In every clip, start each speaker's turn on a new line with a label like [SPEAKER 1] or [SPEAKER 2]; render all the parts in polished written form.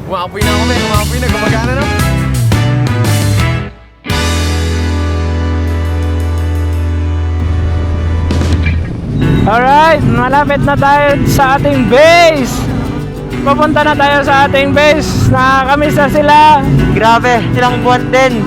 [SPEAKER 1] Umapoy na kami, umapoy na, gumagana na.
[SPEAKER 2] Alright, malapit na tayo sa ating base. Papunta na tayo sa ating base. Nakakamiss na sila.
[SPEAKER 3] Grabe, ilang buwan din.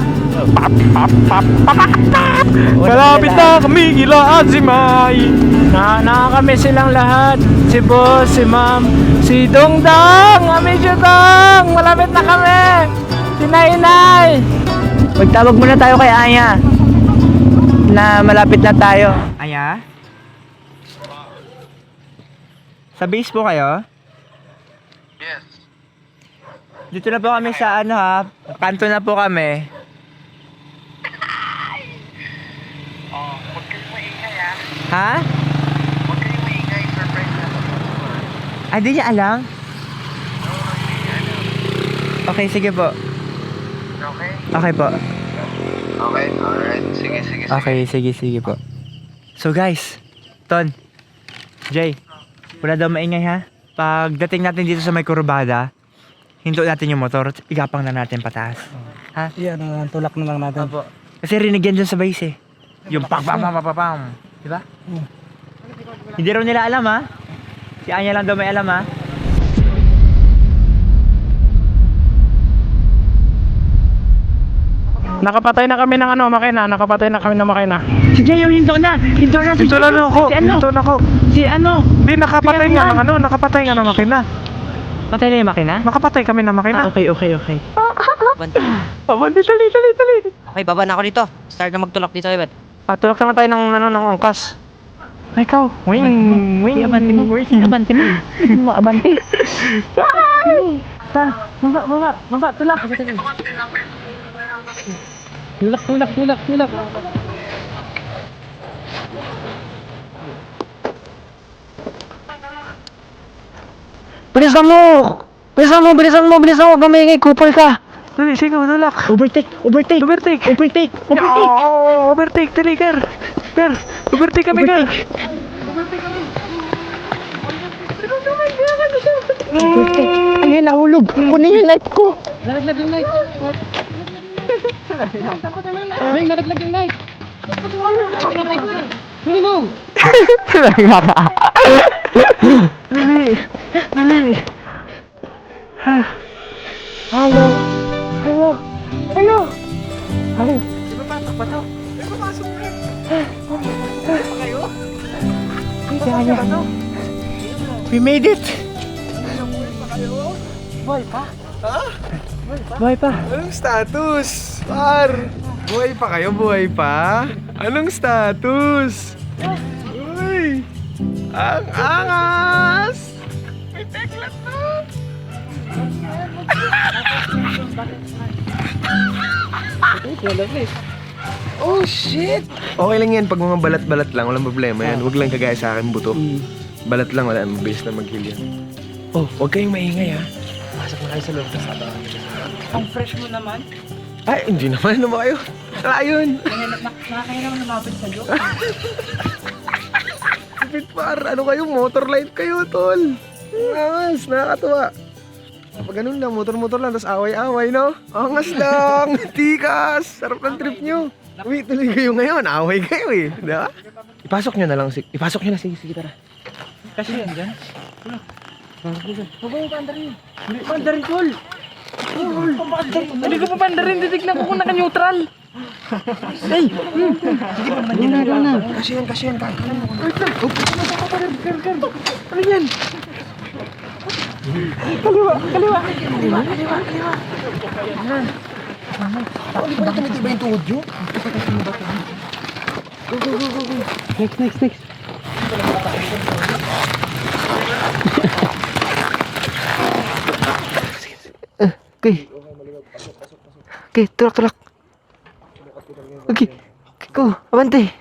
[SPEAKER 2] Malapit na kami kila Azimay. Nakakamiss silang lahat. Si boss, si ma'am, si Dongdong, Amidyo Dong. Malapit na kami. Si Nainay.
[SPEAKER 3] Magtawag muna tayo kay Aya na malapit na tayo. Aya? Sa base po kayo?
[SPEAKER 1] Yes.
[SPEAKER 3] Dito na po kami sa ano ha, kanto na po kami.
[SPEAKER 1] Huwag kayong maingay ha.
[SPEAKER 3] Ha?
[SPEAKER 1] Huwag kayong maingay, surprise na.
[SPEAKER 3] Ah, di niya alam? Okay, sige po.
[SPEAKER 1] Okay?
[SPEAKER 3] Okay po.
[SPEAKER 1] Okay, alright. Sige.
[SPEAKER 3] Okay, sige po. So guys, Ton, Jay, wala daw maingay ha. Pagdating natin dito sa may kurbada, hinto natin yung motor, igapang na natin pataas. Ha?
[SPEAKER 2] Yan, tulak na lang natin.
[SPEAKER 3] Opo. Kasi rinig yan dyan sa base eh. Yung pam. Diba? Hindi raw nila alam ha. Si Anya lang daw may alam ha.
[SPEAKER 2] Nakapatay na kami ng makina. Nakapatay na kami ng makina.
[SPEAKER 3] Si Jay, yung hinto na. Hinto na.
[SPEAKER 2] Ito na ako.
[SPEAKER 3] Si ano?
[SPEAKER 2] Ito na ako.
[SPEAKER 3] Si ano?
[SPEAKER 2] Hindi, nakapatay nga ng nakapatay nga ng makina.
[SPEAKER 3] Patay na yung makina?
[SPEAKER 2] Nakapatay kami ng makina.
[SPEAKER 3] Okay.
[SPEAKER 2] Pabandi, dali.
[SPEAKER 4] Okay, baba na ako dito. Start na magtulak dito, Ibat.
[SPEAKER 2] Patulak naman tayo ng angkas. Ay, ikaw. Wing.
[SPEAKER 3] Abanti mo. Abanti.
[SPEAKER 2] Baba, tulak. Tulak. Bilisan mo, gamingay, kupal ka. Dali, sige, tulak.
[SPEAKER 3] Overtake.
[SPEAKER 2] Overtake, dali, Ger. Overtake kami, Ger.
[SPEAKER 3] Ay, nahulog. Kunin yung light ko.
[SPEAKER 2] Nalaglag yung light. Nalaglag yung light. Huli mo. Dali. Hello.
[SPEAKER 3] We made it. Buhay pa.
[SPEAKER 1] Anong status? Par! Buhay pa kayo? Buhay pa? Anong status? Uy! Ang angas! May teklat na! Oh shit! Okay lang yan, pag mga balat-balat lang, walang problema yan. Huwag lang kagaya sa akin buto. Balat lang, wala. Mabilis na mag-heal yan. Oh, huwag kayong maingay ha. Pasok na kayo sa loob.
[SPEAKER 2] Ang fresh mo naman.
[SPEAKER 1] Ay, hindi naman. Ano ba kayo? Ayun.
[SPEAKER 2] Nakakaya naman lumapit sa joke.
[SPEAKER 1] Kapit par, ano kayo? Motor life kayo, tol. Angas, nakakatuwa. Kapag ganun lang, motor-motor lang, tapos away-away, no? Angas lang, tikas, sarap ng trip nyo. Uy, tuloy kayo ngayon, away kayo eh. Diba? Ipasok nyo na lang, ipasok nyo na, sige, tara.
[SPEAKER 2] Kasi yan dyan.
[SPEAKER 3] Mandarin call.
[SPEAKER 2] Hindi ko pa pandarin, titignan ko kung naka-neutral.
[SPEAKER 1] Kasi yan,
[SPEAKER 2] Ano yan? Kaliwa.
[SPEAKER 1] Bakit tumitiba yung tuhod nyo?
[SPEAKER 2] Next.
[SPEAKER 3] Okay, tulak. Okay, go, abante.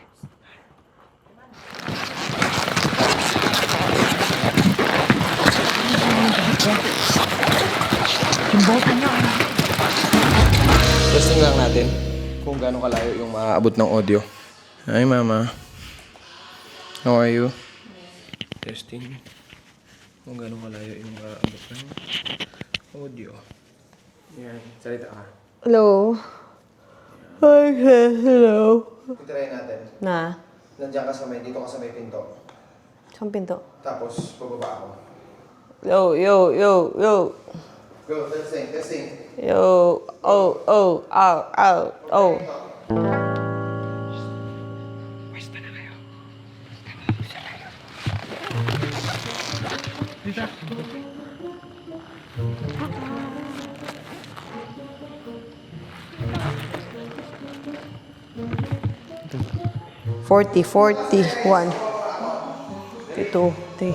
[SPEAKER 1] Testing lang natin kung gaano kalayo yung maaabot ng audio. Hi, Mama. How are you? Testing. Kung gaano kalayo yung maaabot ng Audio. Yan, salita ka.
[SPEAKER 5] Hello? Hi, hello.
[SPEAKER 1] Titirayin natin.
[SPEAKER 5] Na?
[SPEAKER 1] Nandiyan ka sa may, dito ka sa may pinto.
[SPEAKER 5] Saan pinto?
[SPEAKER 1] Tapos, bababa ako.
[SPEAKER 5] Yo, yo, yo, yo.
[SPEAKER 1] Go, testing, testing.
[SPEAKER 5] Yo, oh, oh, ow, ow, oh. Forty, 41. 52, 3.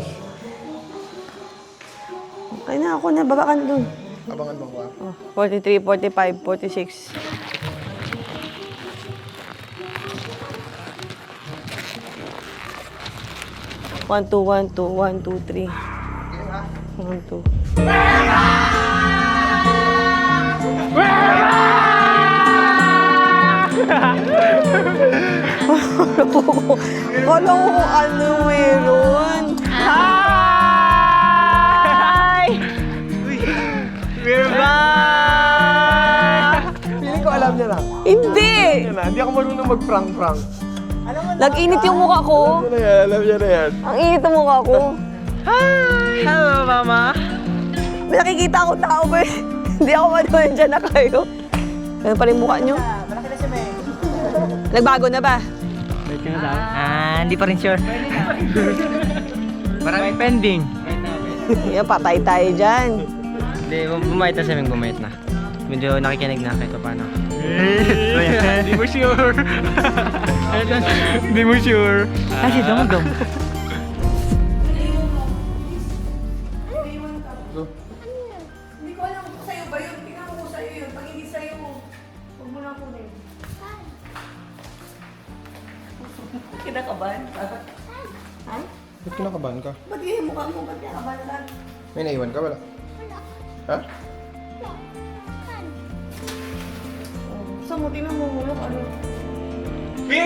[SPEAKER 5] Ay na ako na, baba ka na dun.
[SPEAKER 1] Abangan mo ba?
[SPEAKER 5] Oh, 43, 45, 46. One, two, one, two, one, two, three. One, two. Kala ko kung ano meron.
[SPEAKER 3] Hi! We're back!
[SPEAKER 1] Feeling ko alam niya na.
[SPEAKER 5] Hindi!
[SPEAKER 1] Hindi ako marunong mag-prank-prank.
[SPEAKER 5] Nag-init yung mukha ko.
[SPEAKER 1] Alam niya na yan.
[SPEAKER 5] Ang init ng mukha ko.
[SPEAKER 3] Hi! Hello, Mama!
[SPEAKER 5] May nakikita ako tao ko eh. Hindi ako manuwan dyan na kayo. Ganun pa rin mukha nyo. Nagbago na ba?
[SPEAKER 3] Hindi pa rin sure. Marami pending.
[SPEAKER 5] Yan, patay tayo dyan.
[SPEAKER 4] Hindi, bumait na siya, bumait na. Medyo nakikinig na kahit paano.
[SPEAKER 2] Hindi mo sure. Hindi mo sure.
[SPEAKER 3] Kasi dong-dong.
[SPEAKER 5] Hindi ko alam kung sa'yo ba yun. Tingnan ko sa'yo yun. Pag hindi sa'yo, huwag mo na kunin. Kinakabahan ka? Ha?
[SPEAKER 1] Ba't kinakabahan ka?
[SPEAKER 5] Ba't yung mukha mo? Ba't kinakabahan ka?
[SPEAKER 1] May naiwan ka? Wala. Ha?
[SPEAKER 5] Saan mo? Tingnan mo mulok ano?
[SPEAKER 3] We're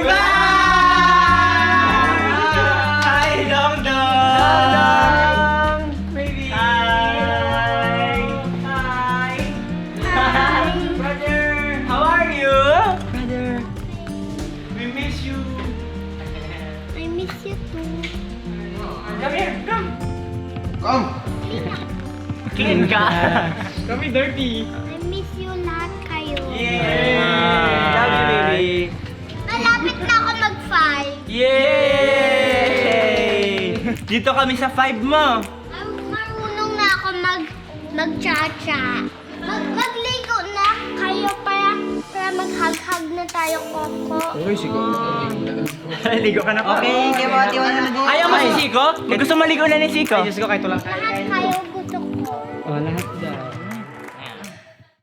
[SPEAKER 3] back! Hi, Dong-dong! Baby! Hi! Hi! Hi! Brother! How are you? Brother! We miss you!
[SPEAKER 6] I miss you too.
[SPEAKER 3] Come here! Come!
[SPEAKER 1] Come!
[SPEAKER 3] Clean ka! Kami dirty!
[SPEAKER 6] I miss you lahat kayo.
[SPEAKER 3] Yay! Love you, baby!
[SPEAKER 6] Malapit na ako mag-5.
[SPEAKER 3] Yay! Dito kami sa 5 mo!
[SPEAKER 6] Marunong na ako mag-cha-cha. Magligo na kayo para mag-hug-hug na tayo, Coco.
[SPEAKER 1] Okay, sige.
[SPEAKER 3] Ligo ka na pa.
[SPEAKER 4] Okay, tiwa-tiwa na din.
[SPEAKER 3] Ayaw mo si Siko? Gusto maligo na ni Siko?
[SPEAKER 4] Diyos ko, kahit wala.
[SPEAKER 6] Lahat kayo gusto ko.
[SPEAKER 4] Oh, lahat dyan.